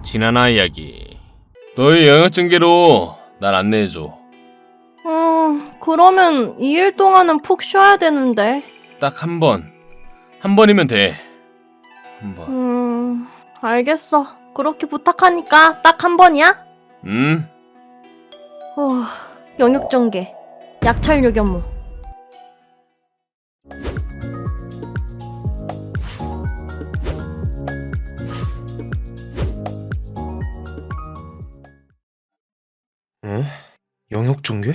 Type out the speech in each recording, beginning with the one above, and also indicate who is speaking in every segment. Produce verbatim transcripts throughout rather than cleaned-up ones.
Speaker 1: 지나나 이야기. 너의 영역전개로 날 안내해줘.
Speaker 2: 음, 그러면 이 일 동안은 푹 쉬어야 되는데.
Speaker 1: 딱 한 번. 한 번이면 돼. 한 번.
Speaker 2: 음, 알겠어. 그렇게 부탁하니까 딱 한 번이야?
Speaker 1: 음?
Speaker 2: 어, 영역전개. 약찰 요견무.
Speaker 3: 어? 영역전개?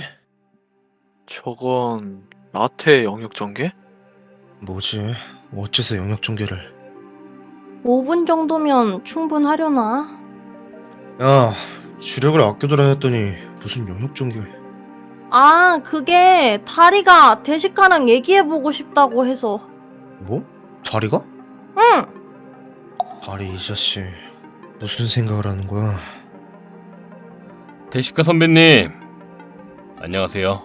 Speaker 4: 저건 라테의 영역전개?
Speaker 3: 뭐지? 어째서 영역전개를?
Speaker 2: 오 분 정도면 충분하려나?
Speaker 3: 야, 주력을 아껴두라 했더니 무슨 영역전개?
Speaker 2: 아, 그게 다리가 대식가랑 얘기해보고 싶다고 해서.
Speaker 3: 뭐? 다리가?
Speaker 2: 응!
Speaker 3: 다리 이 자식 무슨 생각을 하는 거야?
Speaker 1: 대식가 선배님. 안녕하세요.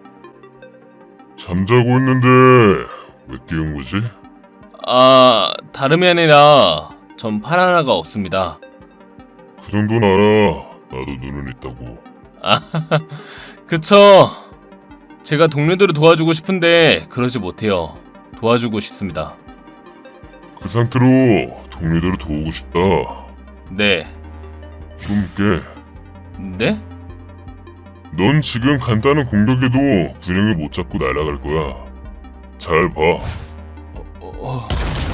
Speaker 5: 잠자고 있는데 왜 깨운 거지?
Speaker 1: 아, 다름이 아니라 전 팔 하나가 없습니다.
Speaker 5: 그 정도는 알아. 나도 눈은 있다고.
Speaker 1: 아, 그쵸. 제가 동료들을 도와주고 싶은데 그러지 못해요. 도와주고 싶습니다.
Speaker 5: 그 상태로 동료들을 도우고 싶다.
Speaker 1: 네.
Speaker 5: 좀 깨.
Speaker 1: 네?
Speaker 5: 넌 지금 간단한 공격에도 균형을 못 잡고 날아갈 거야. 잘 봐.
Speaker 1: 어, 어.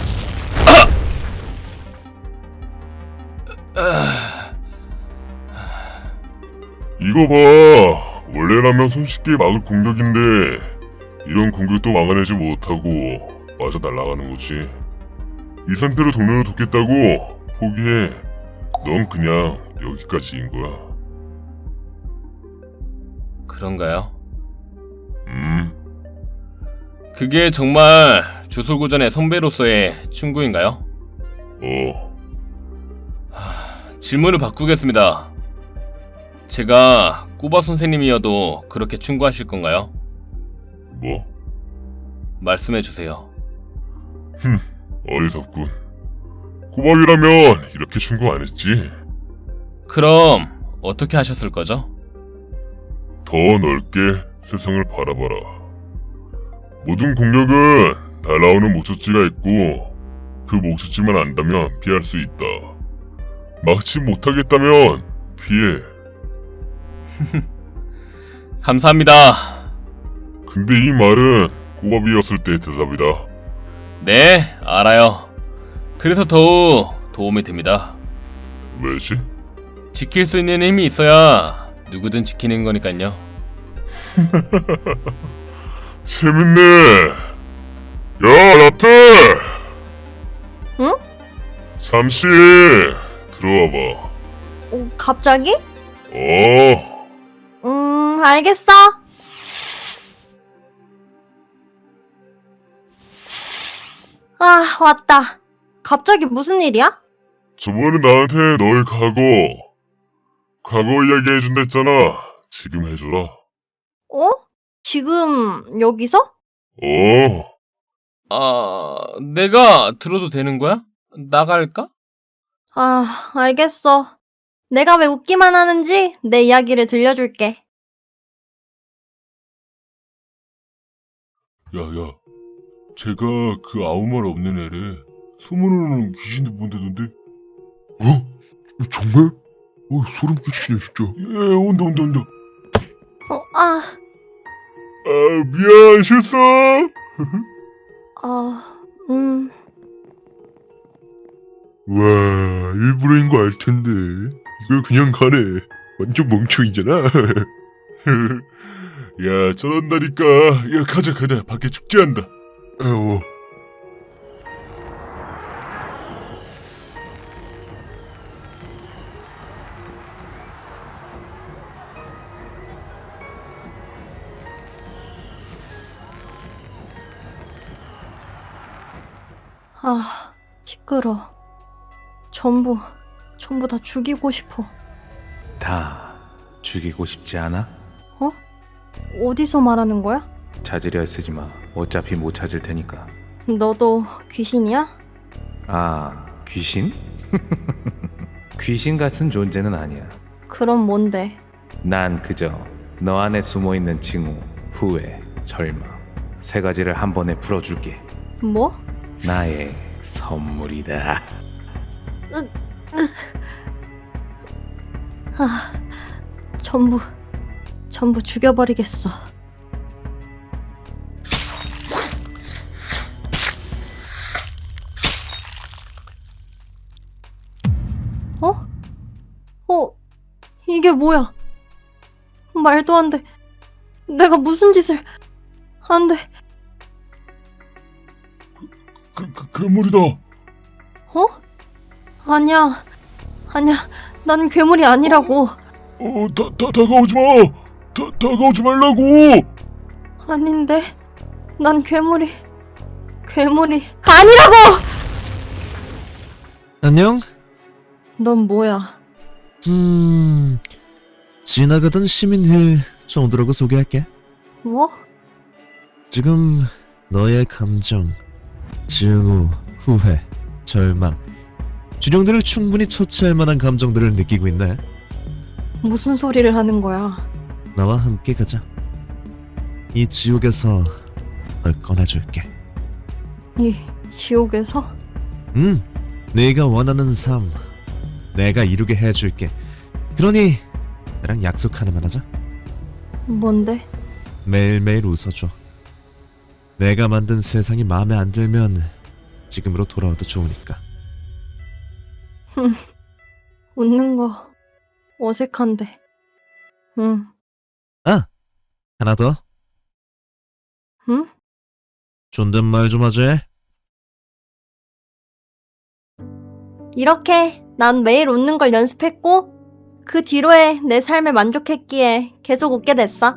Speaker 5: 이거 봐. 원래라면 손쉽게 막을 공격인데 이런 공격도 막아내지 못하고 맞아 날아가는 거지. 이 상태로 동료를 돕겠다고 포기해. 넌 그냥 여기까지인 거야.
Speaker 1: 그런가요?
Speaker 5: 음,
Speaker 1: 그게 정말 주술고전의 선배로서의 충고인가요?
Speaker 5: 어,
Speaker 1: 질문을 바꾸겠습니다. 제가 꼬바 선생님이어도 그렇게 충고하실 건가요?
Speaker 5: 뭐?
Speaker 1: 말씀해주세요.
Speaker 5: 흠, 어리석군. 꼬박이라면 이렇게 충고 안 했지.
Speaker 1: 그럼 어떻게 하셨을 거죠?
Speaker 5: 더 넓게 세상을 바라봐라. 모든 공격은 날아오는 목적지가 있고 그 목적지만 안다면 피할 수 있다. 막지 못하겠다면 피해.
Speaker 1: 감사합니다.
Speaker 5: 근데 이 말은 꼬밥이었을 때의 대답이다.
Speaker 1: 네, 알아요. 그래서 더욱 도움이 됩니다.
Speaker 5: 왜지?
Speaker 1: 지킬 수 있는 힘이 있어야 누구든 지키는 거니깐요.
Speaker 5: 재밌네. 야, 라트!
Speaker 2: 응?
Speaker 5: 잠시 들어와봐.
Speaker 2: 어, 갑자기?
Speaker 5: 어,
Speaker 2: 음, 알겠어. 아, 왔다. 갑자기 무슨 일이야?
Speaker 5: 저번에 나한테 너의 과거, 과거 이야기 해준다 했잖아. 지금 해줘라.
Speaker 2: 어? 지금 여기서?
Speaker 5: 어,
Speaker 1: 아, 내가 들어도 되는 거야? 나갈까?
Speaker 2: 아, 알겠어. 내가 왜 웃기만 하는지 내 이야기를 들려줄게.
Speaker 5: 야야, 제가 그 아무 말 없는 애래. 소문으로는 귀신도 본다던데. 어? 정말? 어, 소름 끼치네 진짜. 예, 온다 온다 온다.
Speaker 2: 어, 아,
Speaker 5: 아, 미안, 실수.
Speaker 2: 아, 음,
Speaker 6: 와, 일부러인 거 알 텐데. 이걸 그냥 가네. 완전 멍청이잖아.
Speaker 5: 야, 저런다니까. 야, 가자 가자. 밖에 축제한다.
Speaker 6: 어,
Speaker 2: 아, 시끄러. 전부, 전부 다 죽이고 싶어.
Speaker 7: 다 죽이고 싶지 않아?
Speaker 2: 어? 어디서 말하는 거야?
Speaker 7: 찾으려 쓰지 마. 어차피 못 찾을 테니까.
Speaker 2: 너도 귀신이야?
Speaker 7: 아, 귀신? 귀신 같은 존재는 아니야.
Speaker 2: 그럼 뭔데?
Speaker 7: 난 그저 너 안에 숨어있는 징후, 후회, 절망 세 가지를 한 번에 풀어줄게.
Speaker 2: 뭐?
Speaker 7: 나의 선물이다.
Speaker 2: 아, 전부, 전부 죽여버리겠어. 어? 어, 이게 뭐야? 말도 안 돼. 내가 무슨 짓을... 안 돼.
Speaker 5: 그, 그 괴물이다.
Speaker 2: 어? 아니야. 아니야. 난 괴물이 아니라고.
Speaker 5: 어, 다, 다, 다가오지 마. 다, 다가오지 말라고.
Speaker 2: 아닌데. 난 괴물이... 괴물이... 아니라고!
Speaker 3: 안녕?
Speaker 2: 넌 뭐야?
Speaker 3: 음... 지나가던 시민힐 정도라고 소개할게.
Speaker 2: 뭐?
Speaker 3: 지금 너의 감정, 증오, 후회, 절망, 주령들을 충분히 처치할 만한 감정들을 느끼고 있네.
Speaker 2: 무슨 소리를 하는 거야?
Speaker 3: 나와 함께 가자. 이 지옥에서 널 꺼내줄게.
Speaker 2: 이 지옥에서?
Speaker 3: 음, 네가 원하는 삶 내가 이루게 해줄게. 그러니 나랑 약속 하나만 하자.
Speaker 2: 뭔데?
Speaker 3: 매일매일 웃어줘. 내가 만든 세상이 마음에 안 들면 지금으로 돌아와도 좋으니까.
Speaker 2: 웃는 거 어색한데. 응.
Speaker 3: 아! 하나 더.
Speaker 2: 응?
Speaker 3: 존댓말 좀 하지.
Speaker 2: 이렇게 난 매일 웃는 걸 연습했고 그 뒤로에 내 삶에 만족했기에 계속 웃게 됐어.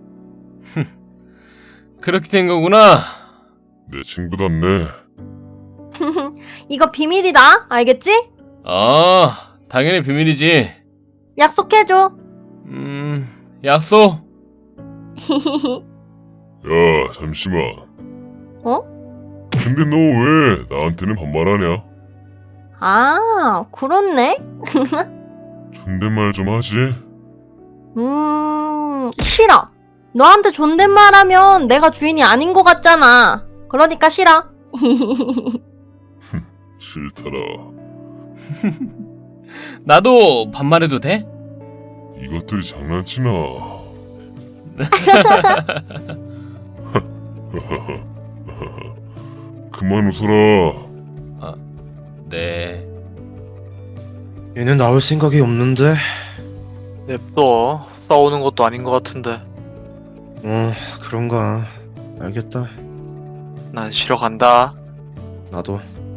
Speaker 1: 그렇게 된 거구나.
Speaker 5: 내 친구답네.
Speaker 2: 이거 비밀이다. 알겠지?
Speaker 1: 아, 당연히 비밀이지.
Speaker 2: 약속해줘.
Speaker 1: 음, 약속.
Speaker 5: 야, 잠시만.
Speaker 2: 어?
Speaker 5: 근데 너 왜 나한테는 반말하냐?
Speaker 2: 아, 그렇네.
Speaker 5: 존댓말 좀 하지.
Speaker 2: 음, 싫어. 너한테 존댓말하면 내가 주인이 아닌 것 같잖아. 그러니까 싫어.
Speaker 5: 싫더라.
Speaker 1: 나도 반말해도 돼?
Speaker 5: 이것들이 장난치나. 그만 웃어라.
Speaker 1: 아, 네.
Speaker 3: 얘는 나올 생각이 없는데.
Speaker 4: 냅둬. 싸우는 것도 아닌 것 같은데.
Speaker 3: 어, 그런가. 알겠다.
Speaker 4: 난 쉬러 간다.
Speaker 3: 나도.